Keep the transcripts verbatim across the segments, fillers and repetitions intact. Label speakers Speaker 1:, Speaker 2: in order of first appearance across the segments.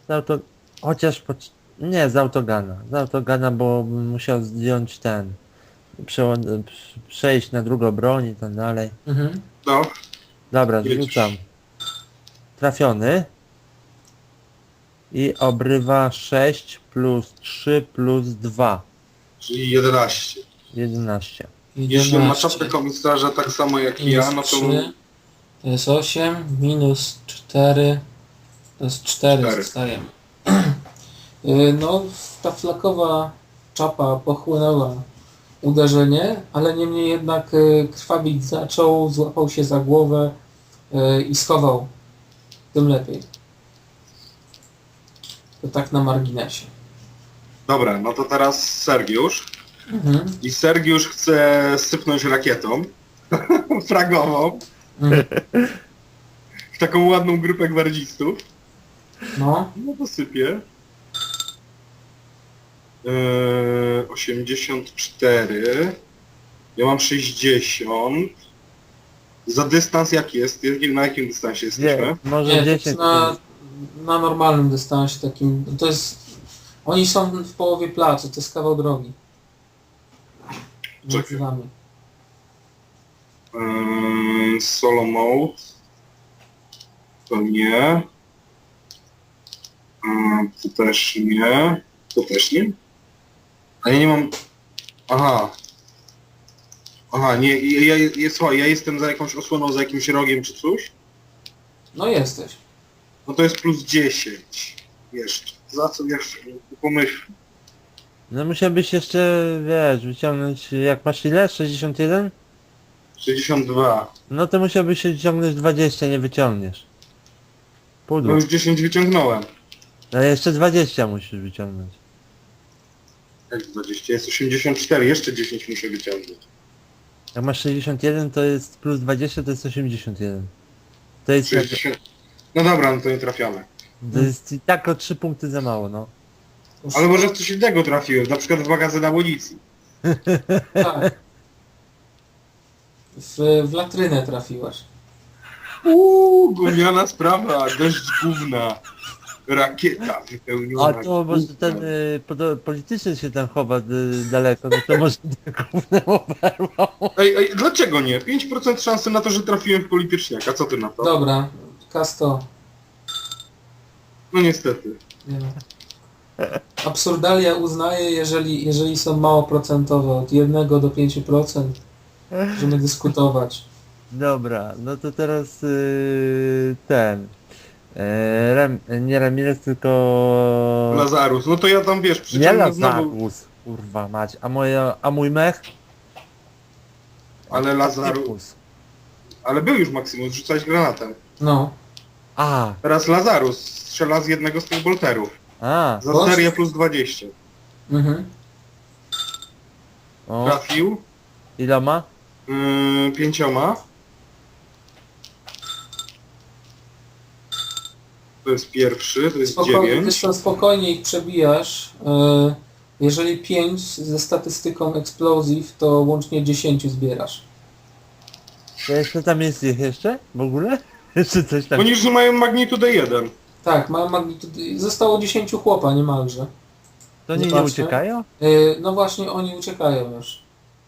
Speaker 1: Z auto... Chociaż po... Nie, z autogana. Z autogana, bo bym musiał zdjąć ten... Przełą- przejść na drugą broń i tak dalej.
Speaker 2: Mhm.
Speaker 3: No,
Speaker 1: Dobra, zrzucam.
Speaker 3: jedziesz.
Speaker 1: Trafiony. I obrywa sześć plus trzy plus dwa.
Speaker 3: Czyli jedenaście.
Speaker 1: jedenaście.
Speaker 3: Jeśli on ma
Speaker 2: jedenaście.
Speaker 3: czapkę komisarza tak samo jak
Speaker 2: Minus
Speaker 3: ja, no to...
Speaker 2: trzy. To jest osiem. Minus cztery. To jest cztery.
Speaker 3: Cztery.
Speaker 2: Zostajemy. Y, No, ta flakowa czapa pochłonęła uderzenie, ale niemniej jednak y, krwawić zaczął, złapał się za głowę y, i schował. Tym lepiej. To tak na marginesie.
Speaker 3: Dobra, no to teraz Sergiusz.
Speaker 2: Mhm.
Speaker 3: I Sergiusz chce sypnąć rakietą fragową
Speaker 2: Mhm.
Speaker 3: w taką ładną grupę gwardzistów.
Speaker 2: No,
Speaker 3: No to sypie. Eee, osiemdziesiąt cztery. Ja mam sześćdziesiąt. Za dystans jaki jest? Jakim- Na jakim dystansie
Speaker 1: Nie,
Speaker 3: jesteśmy?
Speaker 1: może
Speaker 2: nie, to jest
Speaker 1: dziesięć.
Speaker 2: na, na normalnym dystansie takim. To jest. Oni są w połowie placu, to jest kawał drogi. Między
Speaker 3: Czekaj.
Speaker 2: nami.
Speaker 3: Eee, solo mode. To nie. Eee, to też nie. To też nie. A ja nie mam... Aha. Aha, nie, ja, ja, ja, słuchaj, ja jestem za jakąś osłoną, za jakimś rogiem czy coś.
Speaker 2: No jesteś.
Speaker 3: No to jest plus dziesięć. Jeszcze. Za co jeszcze? Pomyśl.
Speaker 1: No musiałbyś jeszcze, wiesz, wyciągnąć, jak masz ile? sześćdziesiąt jeden?
Speaker 3: sześćdziesiąt dwa.
Speaker 1: No to musiałbyś się wyciągnąć dwadzieścia, nie wyciągniesz.
Speaker 3: No
Speaker 1: Pudło.
Speaker 3: już dziesięć wyciągnąłem.
Speaker 1: No jeszcze dwadzieścia musisz wyciągnąć.
Speaker 3: Jak dwadzieścia? Jest osiemdziesiąt cztery. Jeszcze dziesięć muszę wyciągnąć.
Speaker 1: Jak masz sześćdziesiąt jeden, to jest plus dwadzieścia, to jest osiemdziesiąt jeden. To jest,
Speaker 3: sześćdziesiąt. No dobra, no to nie trafiamy.
Speaker 1: to jest i tak o trzy punkty za mało, no.
Speaker 2: Już-
Speaker 3: Ale może w coś innego trafiłem, na przykład w magazyn amunicji.
Speaker 2: Tak. W, w latrynę trafiłaś.
Speaker 3: Uuu, gumiana sprawa, deszcz gówna. Rakieta wypełniona.
Speaker 1: A to może
Speaker 3: gównem.
Speaker 1: ten y, podo- polityczny się tam chowa y, daleko, no to może głównym oberwał.
Speaker 3: Ej, ej, dlaczego nie? pięć procent szansy na to, że trafiłem w polityczniaka. Co ty na to?
Speaker 2: Dobra, Kasto.
Speaker 3: No niestety.
Speaker 2: Nie wiem. Absurdalia uznaje, jeżeli, jeżeli są mało procentowe, od jednego do pięciu procent, możemy dyskutować.
Speaker 1: Dobra, no to teraz y, ten. Y, Rem, nie Ramirez, tylko...
Speaker 3: Lazarus. No to ja tam wiesz,
Speaker 1: Nie
Speaker 3: przyciągnę znowu.
Speaker 1: Lazarus, kurwa mać. A, moja, a mój mech?
Speaker 3: Ale Lazarus.
Speaker 1: Typus.
Speaker 3: Ale był już Maximus, rzucałeś granatem.
Speaker 2: No,
Speaker 1: A,
Speaker 3: Teraz Lazarus strzela z jednego z tych bolterów.
Speaker 1: a,
Speaker 3: Za
Speaker 2: Boż?
Speaker 3: serię plus dwadzieścia.
Speaker 2: mhm.
Speaker 1: o,
Speaker 3: Trafił.
Speaker 1: iloma?
Speaker 3: Yy, pięcioma. To jest pierwszy, to jest
Speaker 2: Spokojnie,
Speaker 3: dziewięć.
Speaker 2: wiesz co, spokojnie ich przebijasz. Yy, Jeżeli pięć ze statystyką explosive, to łącznie dziesięć zbierasz.
Speaker 1: To jeszcze tam jest ich jeszcze? W ogóle? Jeszcze coś tam...
Speaker 3: Oni już mają magnitudę jeden.
Speaker 2: Tak, ma magnitudy. Zostało dziesięć chłopa niemalże.
Speaker 1: To oni nie
Speaker 2: Zobaczmy.
Speaker 1: uciekają?
Speaker 2: Yy, No właśnie, oni uciekają już.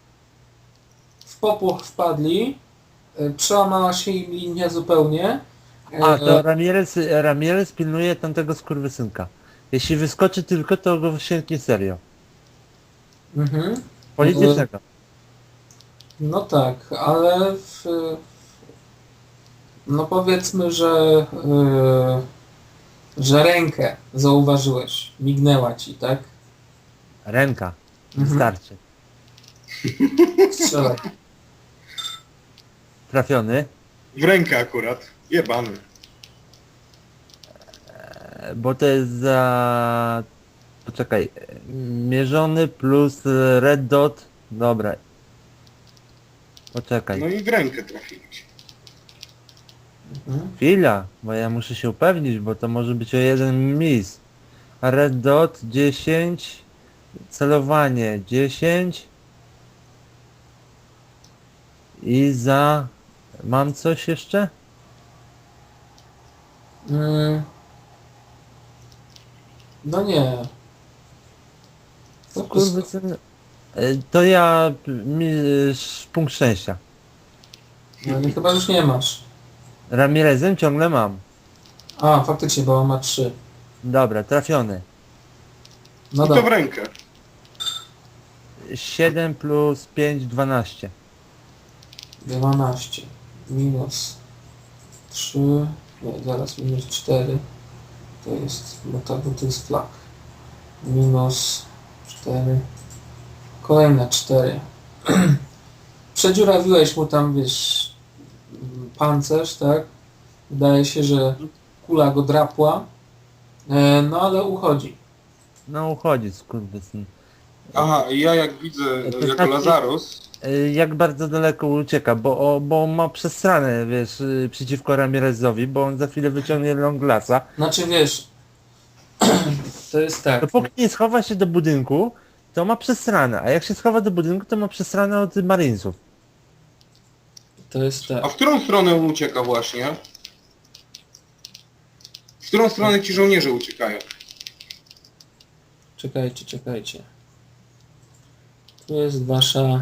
Speaker 2: W popłoch wpadli. Yy, Przełamała się im linia zupełnie. Yy,
Speaker 1: A, to Ramirez, Ramirez pilnuje tamtego skurwysynka. Jeśli wyskoczy tylko, to go sięgnie serio.
Speaker 2: mhm.
Speaker 1: Politycznego.
Speaker 2: No tak, ale w, no powiedzmy, że yy, że rękę zauważyłeś, mignęła ci, tak?
Speaker 1: Ręka.
Speaker 2: Mhm.
Speaker 1: Wystarczy.
Speaker 2: Strzelaj.
Speaker 1: Trafiony.
Speaker 3: W rękę akurat. Jebany.
Speaker 1: E, Bo to jest za... Poczekaj. e, Mierzony plus e, red dot. Dobra. Poczekaj.
Speaker 3: No i w rękę trafiłeś.
Speaker 2: Mhm.
Speaker 1: Chwila, bo ja muszę się upewnić, bo to może być o jeden miss. A red dot dziesięć. Celowanie dziesięć. I za... Mam coś jeszcze?
Speaker 2: Mm. No nie. To
Speaker 1: Kurwa, syn. Y, To ja... Mi, y, sz- punkt szczęścia.
Speaker 2: no, nie, chyba już nie masz.
Speaker 1: Ramirezem ciągle mam.
Speaker 2: A, faktycznie, bo on ma trzy.
Speaker 1: Dobra, trafiony.
Speaker 2: No
Speaker 3: I to w
Speaker 2: dobra.
Speaker 3: rękę.
Speaker 1: siedem plus pięć, dwanaście.
Speaker 2: dwanaście. Minus trzy. Nie, zaraz minus cztery. To jest, bo to, bo to jest flag. Minus cztery. Kolejne cztery. Przedziurawiłeś mu tam, wiesz, pancerz, tak? Wydaje się, że kula go drapła. E, no ale uchodzi.
Speaker 1: No uchodzi, skurwysyn.
Speaker 3: Aha, i ja jak widzę
Speaker 1: To
Speaker 3: jako
Speaker 1: znaczy-
Speaker 3: Lazarus,
Speaker 1: Y, Jak bardzo daleko ucieka, bo, o, bo on ma przesrane, wiesz, y, przeciwko Ramirezowi, bo on za chwilę wyciągnie Longlasa.
Speaker 2: Znaczy wiesz, to jest tak.
Speaker 1: Dopóki nie schowa się do budynku, to ma przesrane, a jak się schowa do budynku, to ma przesrane od Marinesów.
Speaker 2: To jest tak.
Speaker 3: a w którą stronę on ucieka właśnie? W którą stronę ci żołnierze uciekają?
Speaker 2: Czekajcie, czekajcie. Tu jest wasza...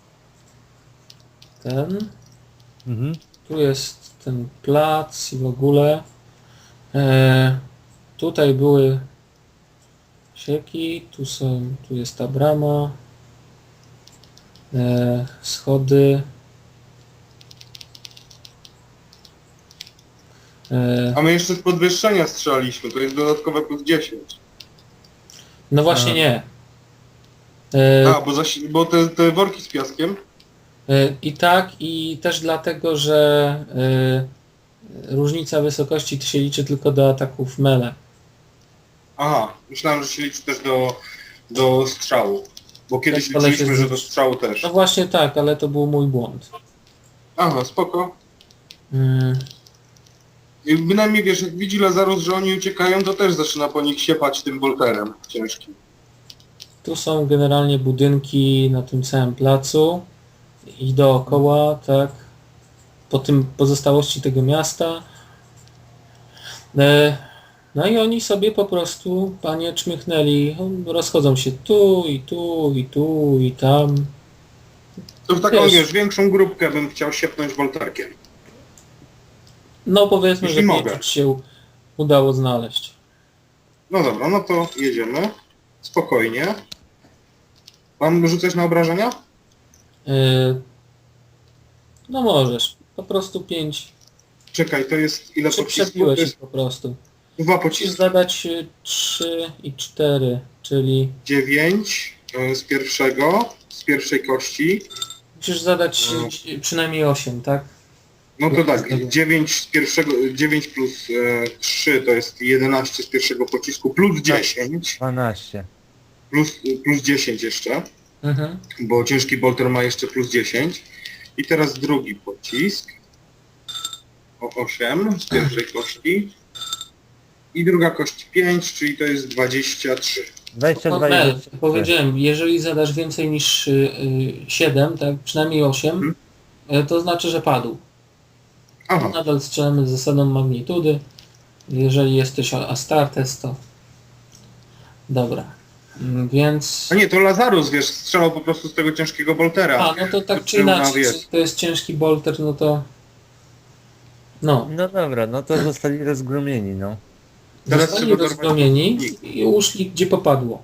Speaker 2: Ten.
Speaker 1: Mhm.
Speaker 2: Tu jest ten plac i w ogóle. E, tutaj były sieki, tu są, tu jest ta brama. E, schody. E,
Speaker 3: A my jeszcze z podwyższenia strzelaliśmy, to jest dodatkowe plus dziesięć.
Speaker 2: no właśnie
Speaker 1: A.
Speaker 2: nie. E,
Speaker 3: A, bo, zasi- bo te, te worki z piaskiem?
Speaker 2: E, I tak, i też dlatego, że e, różnica wysokości to się liczy tylko do ataków mele.
Speaker 3: Aha, myślałem, że się liczy też do, do strzału. Bo kiedyś
Speaker 2: Tak, ale się
Speaker 3: liczyliśmy, że do
Speaker 2: zrzuci.
Speaker 3: strzału też.
Speaker 2: No właśnie tak, ale to był mój błąd.
Speaker 3: Aha, spoko.
Speaker 2: Mm,
Speaker 3: I bynajmniej wiesz, jak widzi Lazarus, że oni uciekają, to też zaczyna po nich siepać tym bolterem ciężkim.
Speaker 2: tu są generalnie budynki na tym całym placu i dookoła, tak, po tym pozostałości tego miasta. E, no i oni sobie po prostu, panie, czmychnęli, rozchodzą się tu i tu i tu i tam.
Speaker 3: To w taką,
Speaker 2: Wiesz.
Speaker 3: wiesz, większą grupkę bym chciał siepnąć bolterkiem.
Speaker 2: No powiedzmy,
Speaker 3: Jeśli
Speaker 2: że
Speaker 3: mogę.
Speaker 2: pięć się udało znaleźć.
Speaker 3: No dobra, no to jedziemy. Spokojnie. Mam rzucać na obrażenia?
Speaker 2: Yy, no możesz. Po prostu pięć.
Speaker 3: Czekaj, to jest ile
Speaker 2: Czy
Speaker 3: pocisków? To
Speaker 2: przebiłeś ich
Speaker 3: jest
Speaker 2: po prostu.
Speaker 3: dwa
Speaker 2: Musisz
Speaker 3: pociski.
Speaker 2: zadać y, trzy i cztery, czyli
Speaker 3: dziewięć y, z pierwszego, z pierwszej kości.
Speaker 2: musisz zadać
Speaker 3: No.
Speaker 2: y, przynajmniej osiem, tak?
Speaker 3: No to
Speaker 2: No,
Speaker 3: tak,
Speaker 2: zgadza.
Speaker 3: dziewięć z pierwszego, dziewięć plus e, trzy to jest jedenaście z pierwszego pocisku, plus dziesięć,
Speaker 1: dwanaście.
Speaker 3: plus, plus dziesięć jeszcze,
Speaker 2: Mhm.
Speaker 3: bo ciężki bolter ma jeszcze plus dziesięć. I teraz drugi pocisk, o osiem z pierwszej kości. I druga kość pięć, czyli to jest dwadzieścia trzy.
Speaker 1: dwadzieścia
Speaker 2: No,
Speaker 1: dwa i
Speaker 2: Mel,
Speaker 1: dwadzieścia trzy.
Speaker 2: powiedziałem, jeżeli zadasz więcej niż y, y, siedem, tak, przynajmniej osiem,
Speaker 3: Mhm.
Speaker 2: y, to znaczy, że padł.
Speaker 3: Aha,
Speaker 2: Nadal strzelamy z zasadą magnitudy. Jeżeli jesteś Astartes, to... Dobra. Mm, Więc...
Speaker 3: a nie, to Lazarus, wiesz, strzelał po prostu z tego ciężkiego boltera.
Speaker 2: A, no to tak czy
Speaker 3: Był na
Speaker 2: inaczej,
Speaker 3: wiesz.
Speaker 2: czy to jest ciężki bolter, no to... No,
Speaker 1: No dobra, no to zostali rozgromieni, no.
Speaker 3: Teraz
Speaker 2: zostali
Speaker 3: trzeba dorwać
Speaker 2: rozgromieni
Speaker 3: przeciwników.
Speaker 2: i uszli gdzie popadło.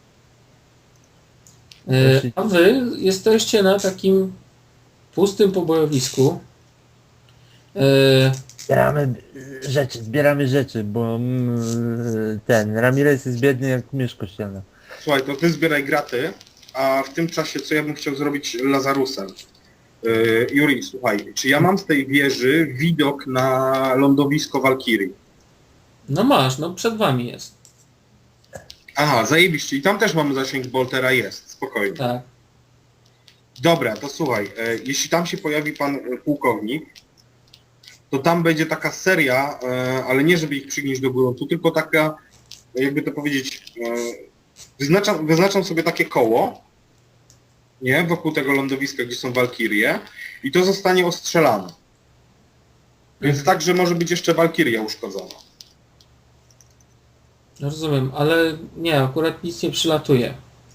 Speaker 2: E,
Speaker 1: Poszli-
Speaker 2: A wy jesteście na takim pustym pobojowisku. E,
Speaker 1: Zbieramy y, rzeczy, zbieramy rzeczy, bo mm, ten Ramirez jest biedny jak miesz kościelny.
Speaker 3: Słuchaj, to ty zbieraj graty, a w tym czasie co ja bym chciał zrobić Lazarusem? Yy, Juri, słuchaj, czy ja mam z tej wieży widok na lądowisko Walkirii?
Speaker 2: No masz, no przed wami jest.
Speaker 3: Aha, zajebiście. I tam też mamy zasięg boltera, jest, spokojnie.
Speaker 2: Tak.
Speaker 3: Dobra, to słuchaj, e, jeśli tam się pojawi pan e, pułkownik, to tam będzie taka seria, e, ale nie żeby ich przygnieść do gruntu, tylko taka, jakby to powiedzieć, e, wyznaczam, wyznaczam sobie takie koło, nie, wokół tego lądowiska, gdzie są walkirie i to zostanie ostrzelane. Więc tak, że może być jeszcze walkiria uszkodzona.
Speaker 2: Rozumiem, ale nie, akurat nic nie przylatuje.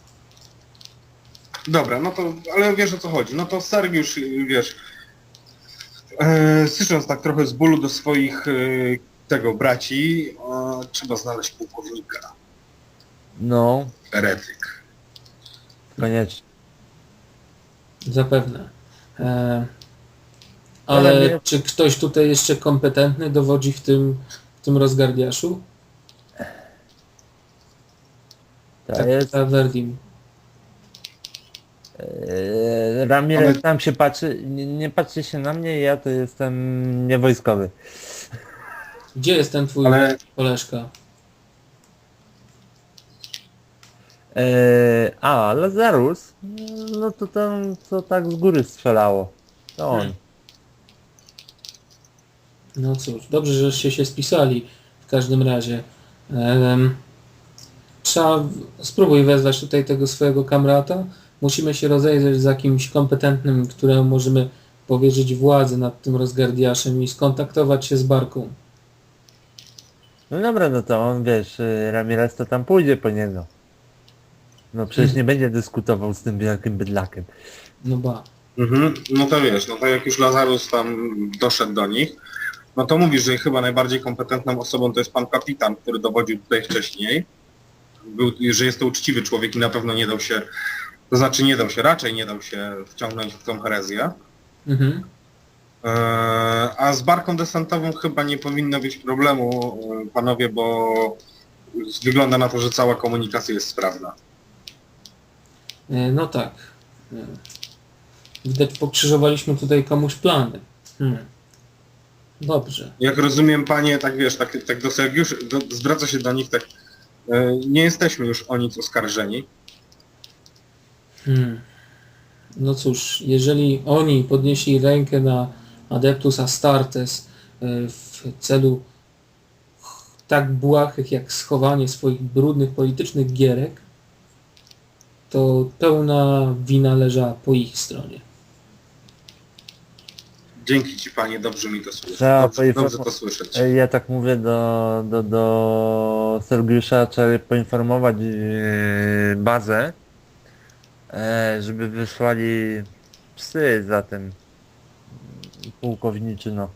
Speaker 3: Dobra, no to, ale wiesz o co chodzi. No to Sergiusz, wiesz, e, słysząc tak trochę z bólu do swoich e, tego braci, e, trzeba znaleźć pułkownika.
Speaker 1: No,
Speaker 3: Heretyk.
Speaker 1: koniecznie.
Speaker 2: Zapewne. E,
Speaker 1: Ale
Speaker 2: ale
Speaker 1: nie-
Speaker 2: czy ktoś tutaj jeszcze kompetentny dowodzi w tym, w tym rozgardiaszu?
Speaker 1: To
Speaker 2: Tak,
Speaker 1: jest...
Speaker 2: ta Verdim.
Speaker 1: Eee, Ramirez
Speaker 3: Ale-
Speaker 1: tam się patrzy, nie, nie patrzy się na mnie, ja to jestem niewojskowy.
Speaker 2: Gdzie jest ten twój
Speaker 3: Ale
Speaker 2: koleżka?
Speaker 1: Eee, a, Lazarus? No to tam, co tak z góry strzelało. To on.
Speaker 2: Hmm. No cóż, dobrze, żeście się spisali w każdym razie. Em, trzeba, w- spróbuj wezwać tutaj tego swojego kamrata. Musimy się rozejrzeć za kimś kompetentnym, któremu możemy powierzyć władzę nad tym rozgardiaszem i skontaktować się z Barką.
Speaker 1: No dobra, no to on, wiesz, y, Ramirez to tam pójdzie po niego. No przecież
Speaker 2: Mhm.
Speaker 1: nie będzie dyskutował z tym wielkim bydlakiem.
Speaker 2: No ba.
Speaker 3: mhm, no to wiesz, no to jak już Lazarus tam doszedł do nich, no to mówisz, że chyba najbardziej kompetentną osobą to jest pan kapitan, który dowodził tutaj wcześniej. Był, że jest to uczciwy człowiek i na pewno nie dał się, to znaczy nie dał się, raczej nie dał się wciągnąć w tą herezję.
Speaker 2: Mhm.
Speaker 3: Eee, a z barką desantową chyba nie powinno być problemu, e, panowie, bo wygląda na to, że cała komunikacja jest sprawna.
Speaker 2: E, No tak. E, Widać, pokrzyżowaliśmy tutaj komuś plany. Hmm. Dobrze.
Speaker 3: Jak rozumiem, panie, tak wiesz, tak, tak do Sergiusz, do, zwraca się do nich, tak, e, nie jesteśmy już o nic oskarżeni.
Speaker 2: Hmm. No cóż, jeżeli oni podnieśli rękę na Adeptus Astartes e, w celu tak błahych jak schowanie swoich brudnych politycznych gierek, to pełna wina leżała po ich stronie.
Speaker 3: Dzięki ci, panie, dobrze mi to słyszeć.
Speaker 1: Trzeba
Speaker 3: Dobrze,
Speaker 1: poinform-
Speaker 3: dobrze to słyszeć.
Speaker 1: Ej, Ja tak mówię do, do, do Sergiusza, trzeba poinformować yy, bazę, e, żeby wysłali psy za tym pułkowniczyno.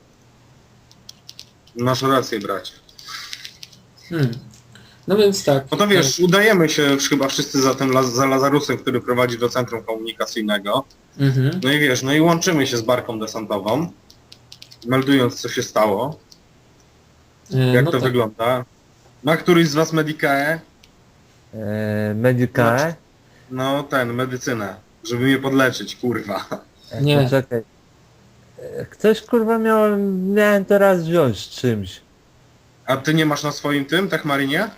Speaker 3: Masz rację, bracie.
Speaker 2: Hmm. No więc tak.
Speaker 3: No to wiesz, udajemy się chyba wszyscy za tym, Laz- za Lazarusem, który prowadzi do centrum komunikacyjnego.
Speaker 2: Mhm.
Speaker 3: No i wiesz, no i łączymy się z barką desantową, meldując co się stało,
Speaker 2: E,
Speaker 3: jak
Speaker 2: no
Speaker 3: to
Speaker 2: tak.
Speaker 3: wygląda. Ma któryś z was Medicae?
Speaker 1: E, Medicae?
Speaker 3: No ten, medycynę, żeby mnie podleczyć, kurwa.
Speaker 1: E,
Speaker 2: Nie.
Speaker 1: Poczekaj. E, Ktoś kurwa miał, miałem teraz wziąć z czymś.
Speaker 3: A ty nie masz na swoim tym, Techmarinie?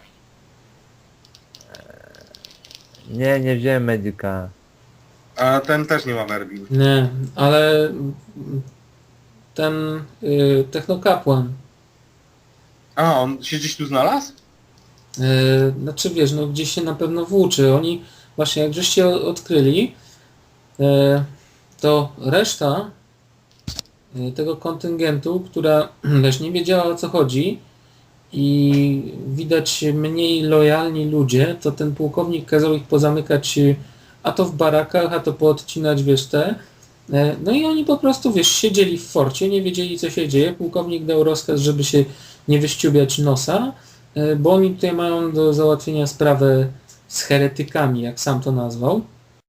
Speaker 1: Nie, nie wziąłem Medicae.
Speaker 3: A ten też nie ma Verbin.
Speaker 2: Nie, ale mm, ten y, technokapłan,
Speaker 3: A, on się gdzieś tu znalazł?
Speaker 2: y, znaczy wiesz, no gdzieś się na pewno włóczy. Oni właśnie jak żeście o- odkryli, y, to reszta y, tego kontyngentu, która też nie wiedziała o co chodzi i widać mniej lojalni ludzie, to ten pułkownik kazał ich pozamykać y, a to w barakach, a to poodcinać, wiesz, te. E, No i oni po prostu, wiesz, siedzieli w forcie, nie wiedzieli co się dzieje. Pułkownik dał rozkaz, żeby się nie wyściubiać nosa, e, bo oni tutaj mają do załatwienia sprawę z heretykami, jak sam to nazwał.